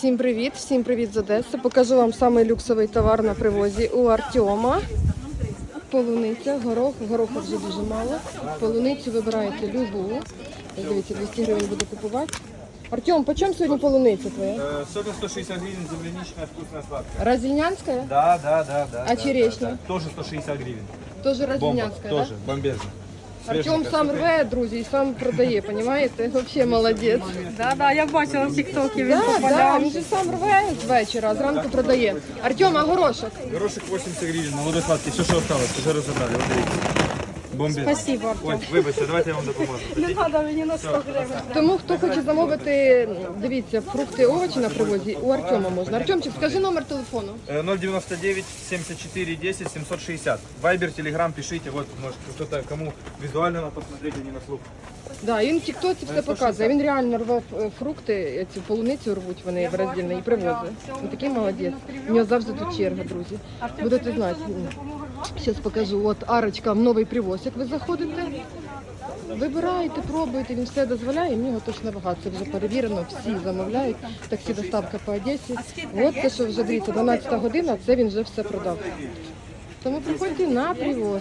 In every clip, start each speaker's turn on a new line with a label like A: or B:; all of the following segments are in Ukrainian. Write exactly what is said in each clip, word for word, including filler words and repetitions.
A: Всім привіт, всім привіт з Одеси. Покажу вам самий люксовий товар на привозі у Артема. Полуниця, горох, гороха вже дуже мало. Полуницю вибираєте любу. Дивіться, двісті гривень буду купувати. Артем, по чому сьогодні полуниця твоя?
B: Сегодня сто шестьдесят гривен, земляничная, вкусная, сладкая.
A: Разильнянська?
B: Да, да, да, да.
A: А
B: да,
A: черешня?
B: да, да. Тоже сто шестьдесят гривен.
A: Тоже
B: Бомба,
A: разильнянська,
B: тоже,
A: так?
B: бомбезно.
A: Артем сам рве, друзі, і сам продає, розумієте? Взагалі молодець.
C: Да, да, я бачила в тіктокі, він
A: Так, так,
C: попадав.
A: він же сам рве з вечора, а зранку продає. Артем, а горошок?
B: Горошек восемьдесят гривен, молодой сладкий, все, что осталось, уже разобрали, вот видите. Бомбезно.
C: Спасибо, Артем.
B: Ой, вибачте, давайте я вам допоможу.
C: Не треба мені на сто гривень.
A: Тому хто хоче замовити, дивіться, фрукти, овочі на привозі, у Артема можна. Артемчик, скажи номер телефону.
B: Э, ноль девяносто девять семьдесят четыре десять семьсот шестьдесят. Вайбер, телеграм, пишите, вот, может, кто-то, кому визуально надо посмотреть, а не на слух.
A: Да, і він в тіктоці все показує. Він реально рве е, фрукти, ці полуницю рвуть вони в роздільне і привозить. Він такий молодець. У нього завжди тут черга, друзі. Будете знати. Зараз покажу. От арочка, новий привоз, як ви заходите. Вибираєте, пробуєте, він все дозволяє, і в нього точно багато. Це вже перевірено, всі замовляють. Таксі доставка по Одесі. От те, що вже дивіться, дванадцята година, це він вже все продав. Тому приходьте на привоз.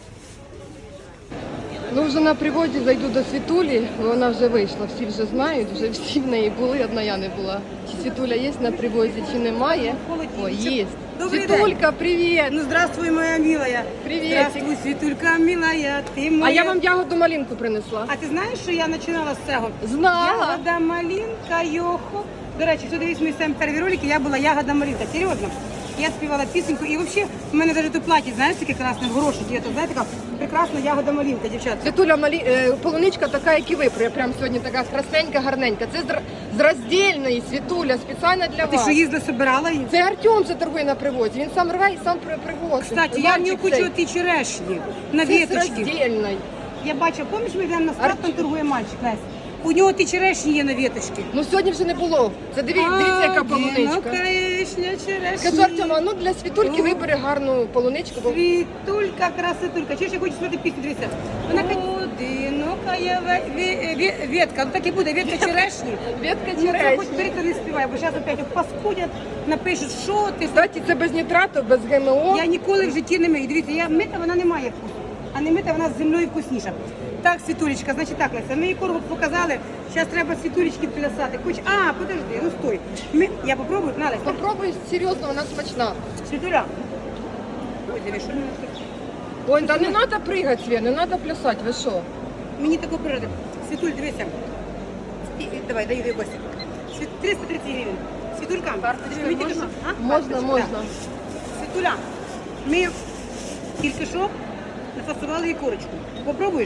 A: Ну, вже на приводі зайду до Світулі, вона вже вийшла, всі вже знають, вже всі в неї були, одна я не була. Чи Світуля є на привозі, чи немає? О, є.
C: Добрий
A: Світулька, привіт!
C: Ну, здравствуй, моя милая.
A: Привіт!
C: Здравствуй, Світулька, милая, ти моя.
A: А я вам ягоду малинку принесла.
C: А ти знаєш, що я починала з цього?
A: Знала.
C: Ягода малинка, йохо. До речі, хто дивись мої самі перші ролики, я була ягода малинка, серйозно. Я співала пісеньку, і взагалі в мене навіть у платі, знаєш, таке красне, в горошок, є, то, знаєте, така прекрасна ягода малинка, дівчата.
A: Світуля, малі... е, полуничка така, як і ви, пря- прям сьогодні така красненька, гарненька. Це з, р- з роздільної, Світуля, спеціально для
C: Ти
A: вас.
C: що, їздила, собирала її?
A: Це Артем це торгує на привозі, він сам рве і сам при- привозить.
C: Кстати, я в нього
A: Мальчик
C: хочу
A: цей.
C: ті черешні на
A: Це з
C: віточки.
A: роздільної.
C: Я бачу, пам'ятаєш, ми йдемо на старт,
A: Артем.
C: там торгує мальчик, Лесь. У нього ті черешні є на віточки.
A: Ну сьогодні вже не було. Це диві... дивіться, яка полуничка.
C: Вишня, черешні.
A: Скажу, Артема, ну для Світульки вибери гарну полуничку. Бо...
C: Світулька, красотулька. Чуєш, я хочу співати пісню, дивіться. Вона каже, одинока є ве- ве- ве- ветка. Ну так і буде, ветка черешні.
A: Ветка
C: Ну, це хоч
A: черешні.
C: перед не співає, бо зараз опять паскудять, напишуть, що ти.
A: Кстати, це без нітрату, без ГМО.
C: Я ніколи в житті не мию. Дивіться, я мита, вона не має вкусу. А не мита, вона з землею вкусніша. Так, Світулечка, значить так, Леся, ми її коргу показали, зараз треба Світулечки плясати. Хоч, а, подожди, ну стой. Ми... Я попробую, на, Леся.
A: Попробуй серйозно, вона смачна.
C: Світуля. Ой, диви, що мене тут?
A: Ой, та не треба пригати, Свє, не треба плясати, ви що?
C: Мені тако природи. Світуль, дивися. І, і, давай, даю дай Костя. Світ... триста тридцять гривень. Світулька,
A: Карточкою
C: ми тільки
A: можна?
C: що- а?
A: Можна,
C: Карточка,
A: можна.
C: так. Світуля, ми тільки що нафасували і корочку. Попробуєш?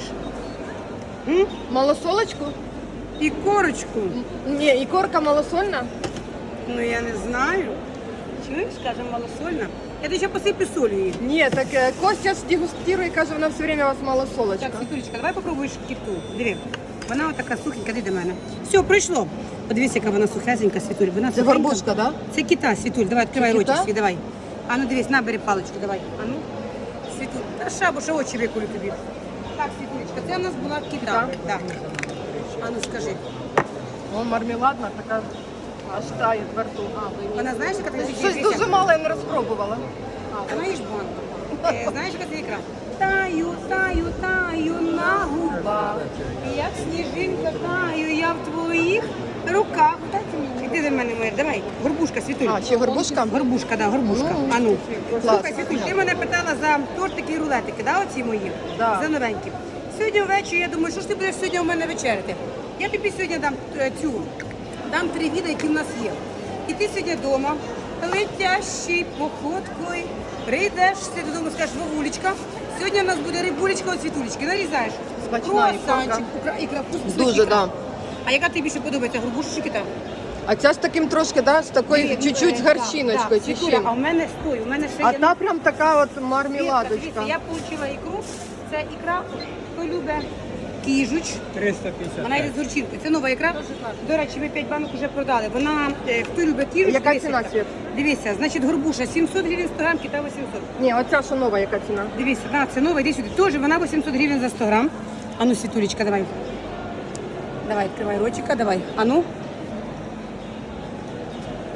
C: М?
A: Малосолочку?
C: І корочку.
A: Ні, і корка малосольна.
C: Ну я не знаю. Чуєш, каже, малосольна. Я тобі ще посиплю солью її.
A: Ні, так е, Костя ж дегустує, каже, вона все время у вас малосолочка.
C: Так, Світулечка, давай попробуєш кіту. Диви. Вона отака сухенька, йди до мене. Все, пройшло. Подивись, яка вона сухесенька, Світуль. Вона
A: Це
C: сухенька.
A: горбушка, так? Да?
C: Це кита, Світуль, давай, відкривай
A: Це
C: ротик
A: кита?
C: свій, давай. А ну дивись, набери паличку, давай. А ну, Світуль, та шабуша очі виколю тобі. Так, Світулечка, це в нас була кита. Да. А ну скажи.
A: О, мармеладна, така аж тає во рту.
C: Вона знаєш, яка така
A: Щось дуже мало я не розпробувала.
C: А, вона їж банку. Е, знаєш, яка це ікра? Таю, таю, таю на губах. Як сніжинка таю, я в твоїх руках. Іди до мене, моя, давай. Горбушка, Світуль.
A: А, ще горбушка?
C: Горбушка, да, горбушка.
A: Ну,
C: А ну.
A: клас.
C: Слухай, Світуль, ти мене питала за тортики і рулетики, да, оці мої?
A: Да.
C: За новенькі. Сьогодні ввечері, я думаю, що ж ти будеш сьогодні у мене вечеряти? Я тобі сьогодні дам е, цю, дам три віда, які в нас є. І ти сьогодні вдома, летящий походкою, прийдеш ти додому, скажеш, Вовулечка, сьогодні у нас буде рибулечка від Світулечки, нарізаєш.
A: Смачна
C: Круасанчик,
A: ікорка.
C: ікра, ікра, вкусна
A: Дуже,
C: ікра.
A: да.
C: А яка тобі більше подобається, горбуша чи кита?
A: А ця з таким трошки, да, з такою
C: Привіт,
A: чуть-чуть з
C: е,
A: гарчиночкою.
C: да,
A: чи
C: Світуля,
A: чим?
C: а у мене стой, у мене ще
A: А
C: є.
A: та прям така от
C: Дивіться,
A: мармеладочка.
C: Я отримала ікру, це ікра, хто любить кіжуч.
B: триста пятьдесят.
C: Вона йде з горчинкою. Це нова ікра. До речі, ми п'ять банок вже продали. Вона, е, хто любить кіжуч,
A: Яка
C: дивися,
A: ціна,
C: яка.
A: Світ?
C: Дивіться, значить горбуша сімсот гривень сто грам, кита вісімсот.
A: Ні, оця що нова, яка ціна?
C: Дивіться, да, це нова, йди сюди. Теж вона вісімсот гривень за сто грам. А ну, Світулечка, давай. Давай, відкривай ротика, давай. А ну.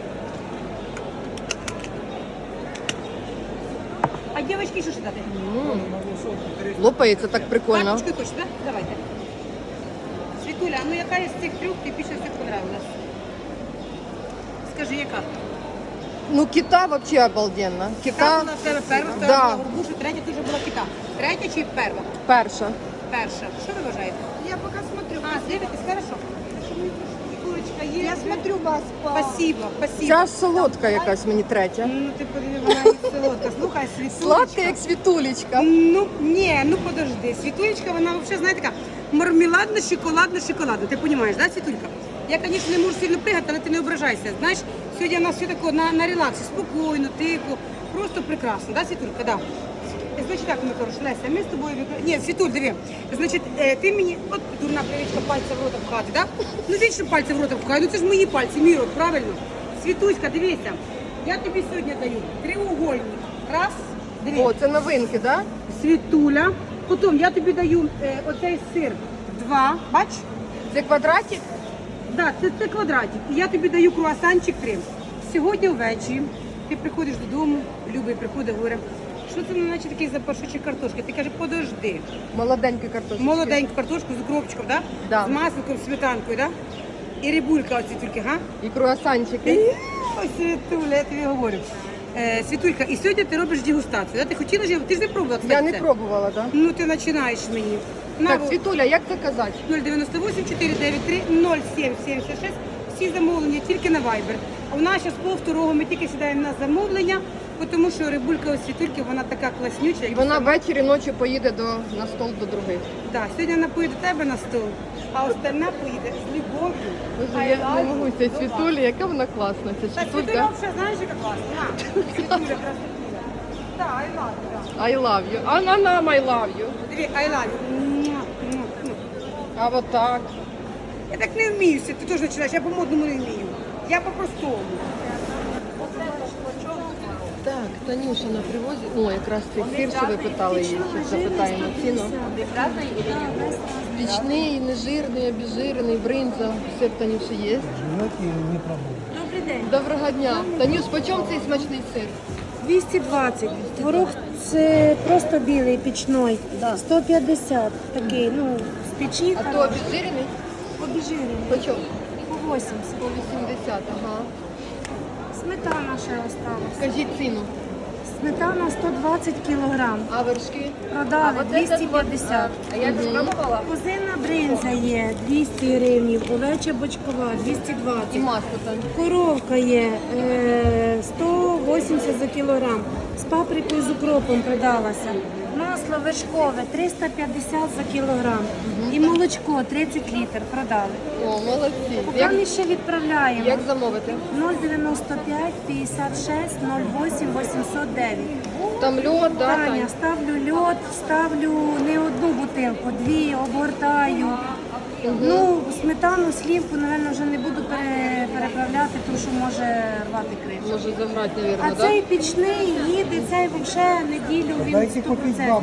C: А дівчатки що ж дати?
A: М. Лопається так прикольно.
C: Карточкою хочеш, так? Давайте. Світуля, а ну яка із цих трьох тобі більше всіх понравилась? Скажи, яка?
A: Ну, кита вообще обалденно.
C: Та
A: Кита
C: була в тебе перша,
A: Да.
C: втора була горбуша, третя дуже була кита. Третя чи перша?
A: перша.
C: Перша. Що ви вважаєте?
D: Я пока смотрю.
C: А, дивитесь, хорошо. Курочка є.
D: Я смотрю вас по...
C: Спасибо, спасибо.
A: Ця ж солодка якась мені третя.
C: Ну ти подиви, вона і солодка. Слухай, світулечка.
A: Сладка, як світулечка.
C: Ну, ні, ну подожди. Світулечка, вона взагалі, знаєте, така мармеладна, шоколадна, шоколадна. Ти розумієш, да, Світулька? Я, звісно, не можу сильно пригати, але ти не ображайся. Знаєш, сьогодні у нас все таке на, на релаксі, спокійно, тихо, просто прекрасно, да, Світулька, да. Значить так, ми хорошо, Леся, ми з тобою... викра- Ні, Світуль, диви. Значить, е, ти мені, от дурна привичка пальця в рота пхати, да? Ну, вічно пальця в рота пхаю, ну це ж мої пальці, мій рот, правильно? Світуська, дивися, я тобі сьогодні даю треугольник. Раз, диви.
A: О, це новинки, да?
C: Світуля. Потім я тобі даю е, оцей сир. Два, бач?
A: Це квадратик?
C: Да, це, це квадратик. І я тобі даю круасанчик три. Сьогодні ввечері ти приходиш додому, Любий приходить, говорить, що це наче такий запашочок картошки. Ти каже, подожди.
A: Молоденька картошка.
C: Молоденьку картошку з укропчиком, да?
A: Да.
C: З масликом, сметанкою, да? І рибулька оці тільки, га?
A: І круасанчики.
C: І, Ось Світуля, я тобі говорю. Е, Світулька, і сьогодні ти робиш дегустацію. Да? Ти хотіла ж, ти ж не пробувала, кстати,
A: Я не
C: це?
A: пробувала, так?
C: Ну ти починаєш мені. На,
A: Так, Світуля, як це казати?
C: нуль дев'яносто вісім чотири дев'ять три нуль сім сімдесят шість. Всі замовлення тільки на Viber. А у нас зараз пол второго ми тільки сідаємо на замовлення, тому що рибулька у Світульки, вона така класнюча.
A: І вона ввечері ночі поїде до, на стол до других.
C: Так, сьогодні вона поїде до тебе на стол, а остальна поїде з любов'ю.
A: Боже, я не можу цієї Світулі, яка вона класна. Ця
C: Так, Світуля
A: Світулька.
C: взагалі, знаєш, яка класна? На, Світуля, красотуля. Так, I love you.
A: I love you. А на нам I love you.
C: Диви, I love you. Муа, муа, муа.
A: А от так.
C: Я так не вмію, ти теж починаєш, я по-модному не вмію. Я по-простому.
A: Так, Танюша на привозі. О, якраз цей сир, що ви питали її. Зараз запитаємо ціну. Пічний, нежирний, обезжирений, бринза. Все в Танюші є.
D: Добрий день.
A: Доброго дня. Танюш, по чому цей смачний сир?
D: двісті двадцять. Творог це просто білий, пічний. сто п'ятдесят. Такий, ну, з печі.
A: А то обезжирений?
D: Обіжирений.
A: По чому?
D: По вісімдесят.
A: По вісімдесят, ага.
D: Сметана ще осталась.
A: Скажіть ціну.
D: Сметана сто двадцять кілограм.
A: А вершки?
D: Продали двісті п'ятдесят.
A: А я не спробувала.
D: Козина бринза є двісті гривень, овеча бочкова двісті
A: І
D: двадцять.
A: масло там.
D: Коровка є е, сто вісімдесят за кілограм. З паприкою з укропом продалася. Масло вершкове триста п'ятдесят за кілограм. І молочко тридцять літрів продали.
A: О, молодці.
D: Поки
A: Як,
D: ми ще відправляємо.
A: як замовити?
D: нуль дев'яносто п'ять п'ятдесят шість нуль вісім вісімсот дев'ять.
A: Там льод, да,
D: Таня,
A: Тань?
D: ставлю льод, ставлю не одну бутилку, дві, обгортаю. Ну, сметану, слівку, напевно, вже не буду пере- переправляти, тому що може рвати кришу.
A: Може заграти,
D: А
A: мабуть,
D: цей
A: да?
D: пічний їде, цей взагалі неділю він сто процентів.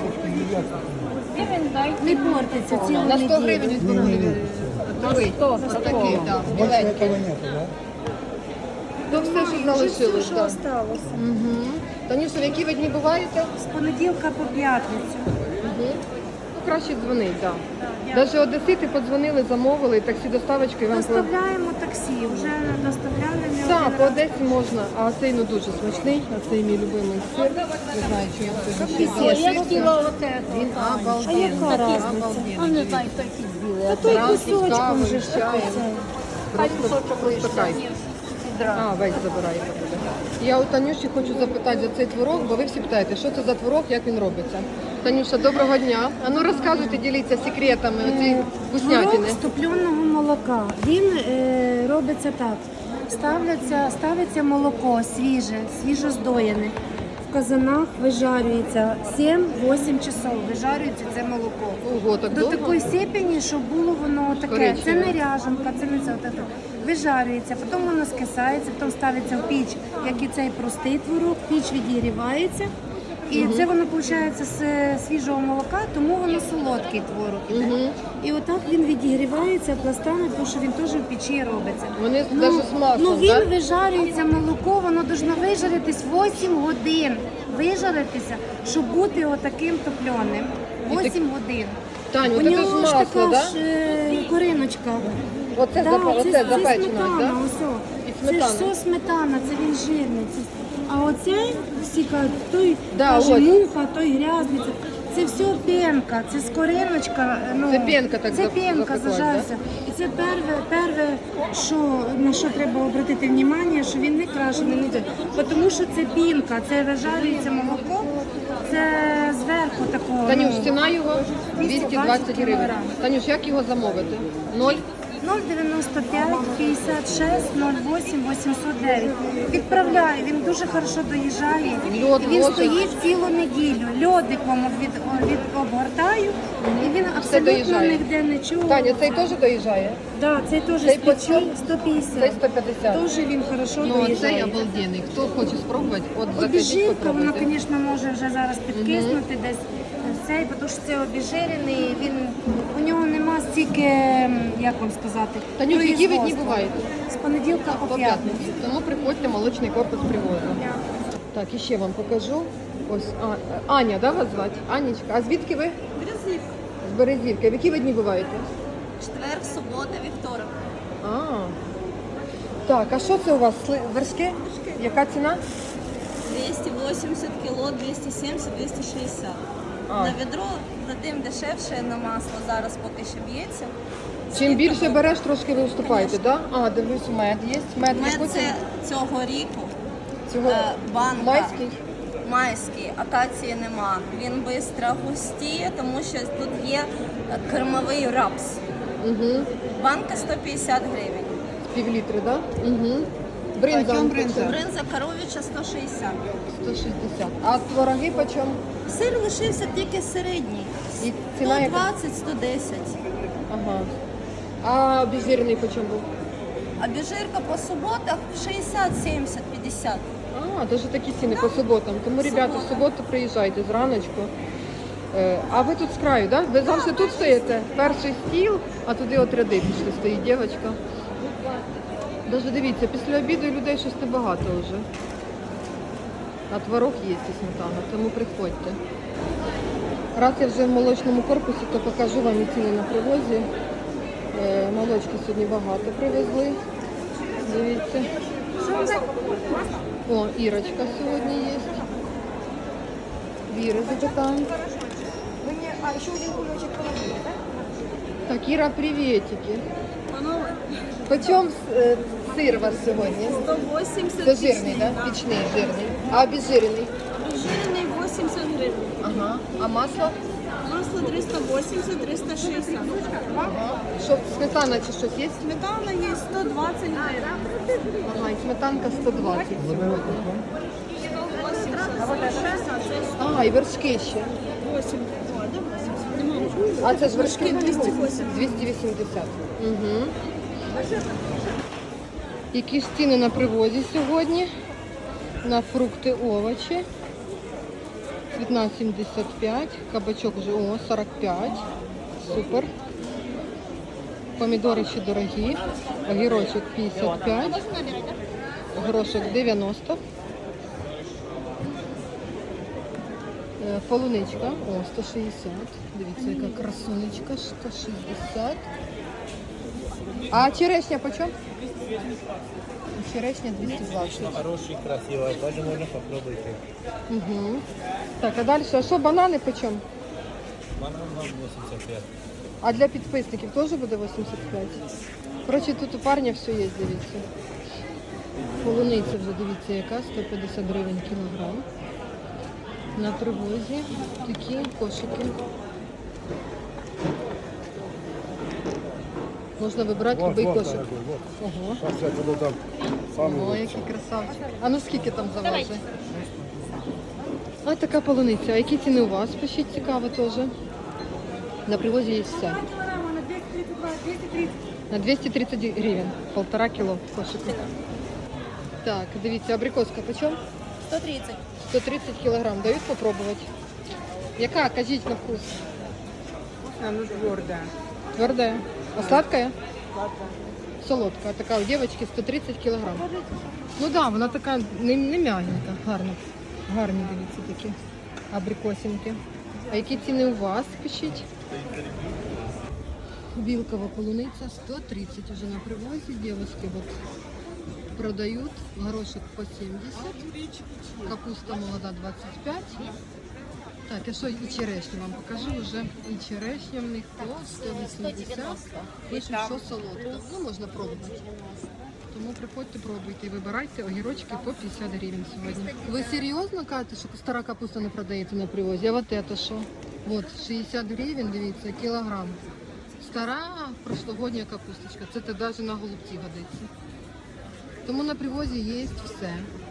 D: Не портиться цілу
A: На сто
D: неділю.
A: гривень відборили. Новий. Отакий, так. Біленький. То все, що
D: Вже все,
A: залишилось,
D: що
A: так.
D: осталося.
A: Угу. Танюша, в які ви дні буваєте?
D: З понеділка по п'ятницю.
A: Угу. Ну, краще дзвонить, так. Навіть одесити подзвонили, замовили, таксі доставочку і вам... по-
D: Доставляємо таксі, вже доставляли не
A: Так,
D: один
A: по
D: раз.
A: Одесі можна, а цей ну дуже смачний, а цей мій любимий сир. Не знаю, чи я сьогодні ще
D: Я
A: залишився.
E: хотіла от это.
A: Він
D: А
A: обалденний.
D: яка разниця?
A: Обалденний.
E: А не знаю, хто якийсь білий.
D: Та той
A: Зранку
D: кусочком
A: кавою,
D: вже ж такий
A: чаєм.
D: цей.
E: Хай
A: Просто,
E: кусочок
A: просто
E: лишиться.
A: кайф. А, весь забираєте буде. Я у Танюші хочу запитати за цей творог, бо ви всі питаєте, що це за творог, як він робиться. Танюша, доброго дня. А ну розказуйте, діліться секретами оцієї вкуснятини.
D: Творог з топленого молока. Він е, робиться так. Ставляться, ставиться молоко свіже, свіжо здоєне. В казанах вижарюється сім-вісім часов. Вижарюється це молоко.
A: Ого, так
D: До
A: довго?
D: такої степені, щоб було воно таке. Це
A: Коричневе.
D: не ряжанка, це не це. От це. Вижарюється, потім воно скисається, потім ставиться в піч, як і цей простий творог, піч відігрівається. І це воно виходить з е, свіжого молока, тому воно солодкий творог іде. І отак він відігрівається пластами, тому що він теж в печі робиться.
A: Вони навіть з маслом,
D: ну він
A: так?
D: вижарюється молоко, воно должно вижаритись вісім годин. Вижаритися, щоб бути отаким топленим. вісім годин.
A: Тань,
D: У
A: от це ж
D: нього ж
A: масло,
D: така
A: да?
D: ж е, кориночка.
A: Оце,
D: Да,
A: запа-
D: це,
A: оце
D: це
A: запечено,
D: сметана,
A: так?
D: ось о.
A: І
D: Це ж
A: сметана.
D: все сметана, це він жирний. Це... А оцей всі кажуть, той
A: Да,
D: каже
A: ось.
D: муха, той грязний. Це, це все пенка, це скориночка. Ну,
A: Це пенка так
D: Це
A: зап-
D: пенка
A: запеклась,
D: зажарся. І це перше, перше, що, на що треба обратити увагу, що він не крашений, не це. Тому що це пінка, це вижарюється молоко, це зверху такого.
A: Танюш,
D: ну,
A: ціна його двісті двадцять гривень.
D: кілограм.
A: Танюш, як його замовити? Ноль?
D: нуль дев'яносто п'ять п'ятдесят шість нуль вісім вісімсот дев'ять. Відправляю, він дуже хорошо доїжджає.
A: Льод
D: І він
A: ложить?
D: стоїть цілу неділю. Льодик вам від, від обгортаю, і він абсолютно
A: доїжджає.
D: ніде не чув.
A: Таня, цей теж доїжджає?
D: Да, цей теж
A: Цей
D: з печі
A: почем?
D: сто
A: Цей
D: п'ятдесят.
A: сто п'ятдесят.
D: Теж він хорошо
A: Ну, цей
D: доїжджає.
A: обалденний. Хто хоче спробувати, от закажіть,
D: Обіжирка, вона,
A: попробуйте.
D: звісно, може вже зараз підкиснути десь цей, тому що це обіжирений, він, у нього нема стільки, ем, як вам сказати,
A: Танюш, які ви дні
D: производства.
A: буваєте?
D: З понеділка по
A: По
D: п'ятницю.
A: п'ятниці. Тому приходьте, молочний корпус привозу. Так, і ще вам покажу. Ось а, Аня, да, вас звати? Анічка. А звідки ви?
F: Березівка.
A: З Березівки. В які ви дні буваєте?
F: Четвер, субота, вівторок.
A: А. Так, а що це у вас? Сли- Вершки? Яка ціна?
F: двісті вісімдесят кіло, двісті сімдесят, двісті шістдесят.
A: А.
F: На відро за тим дешевше, на масло зараз поки що б'ється.
A: Чим більше береш, трошки ви уступаєте, так? Да? А, дивлюсь, мед є. Мед,
F: Мед
A: яку
F: це
A: ціну?
F: цього ріку,
A: Цього
F: е, банка.
A: майський?
F: майський, акації нема. Він швидко густіє, тому що тут є е, кермовий рапс.
A: Угу.
F: Банка сто п'ятдесят гривень.
A: Пів літри, так? Да? Угу. Бринза.
C: Почем
A: почем?
C: бринза?
F: Бринза коров'яча сто шістдесят.
A: сто шістдесят. А твороги почем?
F: Сир лишився тільки середній.
A: І ціна яка?
F: сто двадцять - сто десять.
A: Ага. А обезжирений почем був?
F: А біжирка по суботах шістдесят, сімдесят, п'ятдесят.
A: А, навіть такі ціни по суботам. Тому, ребята, в суботу приїжджайте зраночку. Е, А ви тут з краю, так? Да? Ви завжди тут стоїте? Перший стіл, а туди от ряди пішли, стоїть дівчинка. Даже дивіться, після обіду людей щось небагато вже. А творог є і сметана, тому приходьте. Раз я вже в молочному корпусі, то покажу вам і ціни на привозі. Е, Молочки сьогодні багато привезли. Дивіться. О, Ірочка сьогодні є. Віри запитаємо. Так, Іра, приветики. Почем е, сир у вас сьогодні?
F: сто вісімдесят.
A: Це жирний, так? Да? Пічний, жирний. А обезжирений?
F: Жирний вісімдесят гривень.
A: Ага. А масло?
F: Масло триста вісімдесят, триста шістдесят.
A: Ага. Що, сметана чи щось є?
F: Сметана є сто двадцять гривень.
A: Ага, і сметанка сто двадцять сьогодні. А, і вершки ще. А це ж вершки двісті вісімдесят. Угу. Які ж ціни на привозі сьогодні? На фрукти, овочі. Цвітна сімдесят п'ять, кабачок вже о, сорок п'ять. Супер. Помідори ще дорогі. Огірочок п'ятдесят п'ять. Горошок дев'яносто. Е, Полуничка, о, сто шістдесят. Дивіться, яка красунечка, сто шістдесят. А черешня почем? Черешня двісті двадцять.
G: Хороший, красивый, даже можно попробовать.
A: Угу. Так, а далі, а що, банани почем?
G: Банан вам восемьдесят пять.
A: А для підписників теж буде вісімдесят п'ять? Коротше, тут у парня все є, дивіться. Полуниця вже, дивіться, яка, сто п'ятдесят гривень кілограм. На привозі такі кошики. Можна вибрати
H: Вот,
A: будь-який
H: вот,
A: кошик.
H: дорогой, вот.
A: Ого.
H: Сейчас я буду там самый
A: О,
H: лучший.
A: який красавчик. А ну скільки там заважить? Ось така полуниця. А які ціни у вас? Пишіть, цікаво теж. На привозі є все. На двісті тридцять гривень. Полтора кіло кошика. Так, дивіться, абрикоска почем?
F: сто тридцать.
A: сто тридцать килограмм. Дают попробовать? Яка? Кажіть на вкус.
C: Она твердая.
A: Твердая. А сладкая? Солодка. Така у дівчинки сто тридцять кілограм. Ну так, да, вона така не, не м'ягенька, гарна. Гарні, дивіться, такі абрикосинки. А які ціни у вас, пишіть? Білкова полуниця сто тридцать уже на привозі. Девочки вот продают. Горошек по сімдесят. Капуста молода двадцять п'ять. Так, я що і черешню вам покажу вже. І черешня в них по сто вісімдесят. Пишуть, що солодка. Ну, можна пробувати. Тому приходьте, пробуйте і вибирайте огірочки по п'ятдесят гривень сьогодні. Ви серйозно кажете, що стара капуста не продається на привозі? А от це що? От, шістдесят гривень, дивіться, кілограм. Стара прошлогодня капусточка. Це те навіть на голубці годиться. Тому на привозі є все.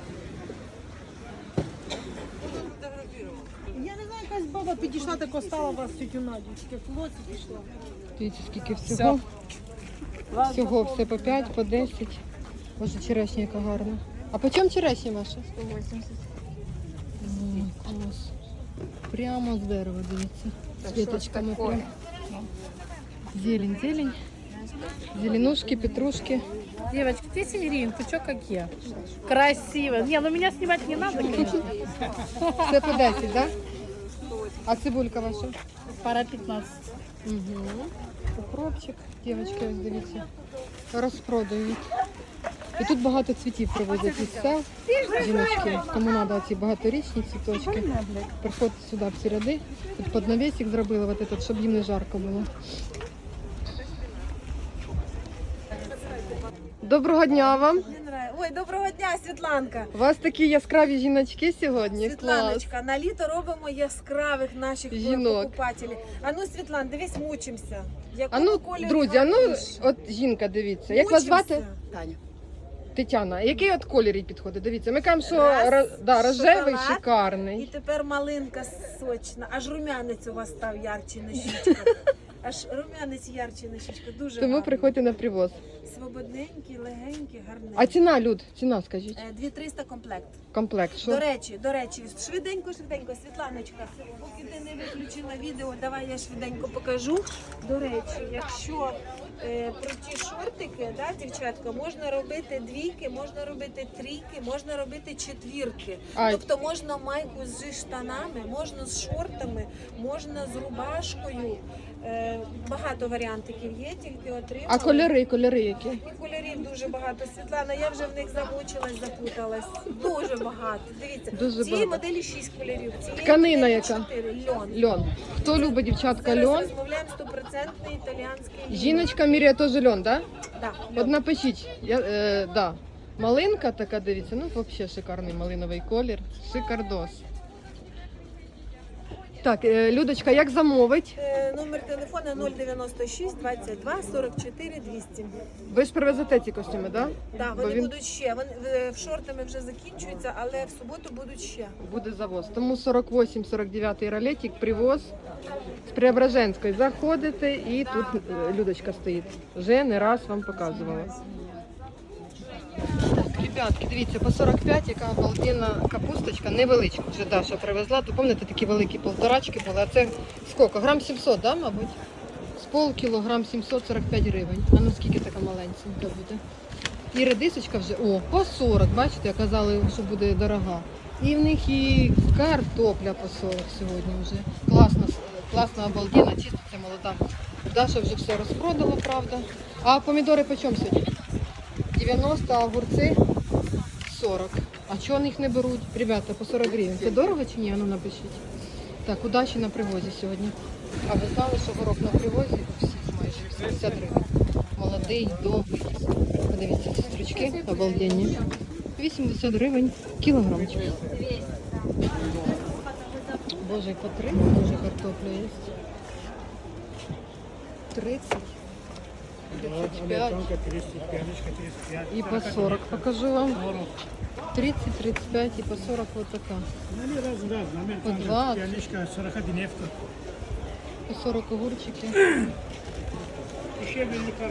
E: Я не знаю, якась баба підійшла, так стала вас тютю Надю, тільки в лоці пішла.
A: Дивіться, скільки всього. Всього все по п'ять, по десять. Боже, черешня яка гарна. А по чому черешня ваша?
F: сто вісімдесят.
A: Ой, клас. Прямо з дерева, дивіться. З квіточками прям. Зелень, зелень. Зеленушки, петрушки.
E: Девочки, десять гривен, пучок как я. Красиво. Не, ну меня снимать не надо, конечно.
A: Все по десять, да? А цибулька ваша?
E: Пара пятнадцать.
A: Угу. Укропчик, дівчатки, ось дивіться, розпродають. І тут багато цвітів привозять із сел, жіночки, кому треба ці багаторічні цвіточки. Приходьте сюди в ці ряди. Тут під навісик зробили, вот этот, щоб їм не жарко було. Доброго дня вам!
I: Ой, доброго дня, Світланка.
A: У вас такі яскраві жіночки сьогодні. Клас.
I: Світланочка, на літо робимо яскравих наших
A: Жінок.
I: покупателів. А ну, Світлан, дивись, мучимося.
A: А
I: Якого
A: ну,
I: кольору
A: друзі, а ну,
I: гарніше?
A: от жінка, дивіться. Як вас
I: Мучимося.
A: звати?
I: Таня.
A: Тетяна. Який от колір їй підходить? Дивіться, ми кажемо, що
I: Раз,
A: ро- да, рожевий,
I: шоколад. І
A: шикарний.
I: тепер малинка сочна. Аж румянець у вас став ярче на щічках. Аж румянець ярче на щічках. Дуже
A: Тому
I: гарно.
A: приходьте на привоз.
I: Свободненький, легенький, гарненький.
A: А ціна, Люд, ціна скажіть.
I: Е, дві триста комплект.
A: Комплект, що?
I: До речі, до речі, швиденько, швиденько, Світланочка, поки ти не виключила відео, давай я швиденько покажу. До речі, якщо е, про ті шортики, да, дівчатка, можна робити двійки, можна робити трійки, можна робити четвірки.
A: А.
I: Тобто можна майку зі штанами, можна з шортами, можна з рубашкою. Е, багато варіантиків є, тільки отримали.
A: А кольори, кольори які?
I: І кольорів дуже багато. Світлана, я вже в них замучилась, запуталась. Дуже багато. Дивіться,
A: Дуже
I: цієї
A: багато.
I: моделі шість кольорів. Цієї
A: Тканина
I: моделі
A: яка?
I: чотири. Льон.
A: Льон. Хто любить, дівчатка,
I: Зараз
A: льон?
I: розмовляємо стопроцентний італіянський льон.
A: Жіночка міряє теж льон, да?
I: Да,
A: От
I: льон.
A: напишіть, я, е, да. Малинка така, дивіться, ну взагалі шикарний малиновий колір. Шикардос. Так, е, Людочка, як замовить?
I: Е, Номер телефона нуль дев'яносто шість двадцять два сорок чотири двісті.
A: Ви ж привезете ці костюми, да?
I: Да,
A: Бо
I: вони
A: він
I: будуть ще. Вони в- в шортами вже закінчуються, але в суботу будуть ще.
A: буде завоз. Тому сорок вісім сорок дев'ять ролетик, привоз з Преображенської. Заходите і тут е, Людочка стоїть. Вже не раз вам показувала. Так, ребятки, дивіться, по сорок п'ять, яка обалденна капусточка, невеличка вже Даша привезла. То пам'ятаєте, такі великі полторачки були, а це скільки? Грам сімсот, да, мабуть? З пол кілограм сімсот сорок п'ять гривень. А ну скільки така маленька буде? І редисочка вже, о, по сорок, бачите, казали, що буде дорога. І в них і картопля по сорок сьогодні вже. Класна, класна, обалденна, чиститься молода. Даша вже все розпродала, правда. А помідори по чому сьогодні? дев'яносто, а огурці сорок. А чого їх не беруть? Ребята, по сорок гривень. Це дорого чи ні? А ну напишіть. Так, удачі на привозі сьогодні. А ви знали, що горох на привозі у всіх майже вісімдесят гривень. Молодий, довгий. Подивіться, ці стручки обалденні. вісімдесят гривень кілограмчик. Боже, і по три може картопля є. тридцять. тридцять п'ять. И по сорок покажу вам. тридцать, тридцать пять и по сорок вот такая. По двадцать. По сорок огурчики.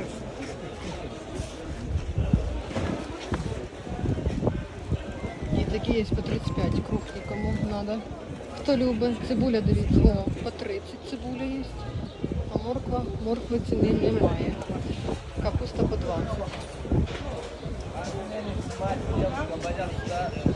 A: И такі є по тридцять п'ять, крупні, кому треба. Хто любить, цибуля, дивіться, о, по тридцять цибуля є. А морква, моркви ціни немає. Капуста по двадцять.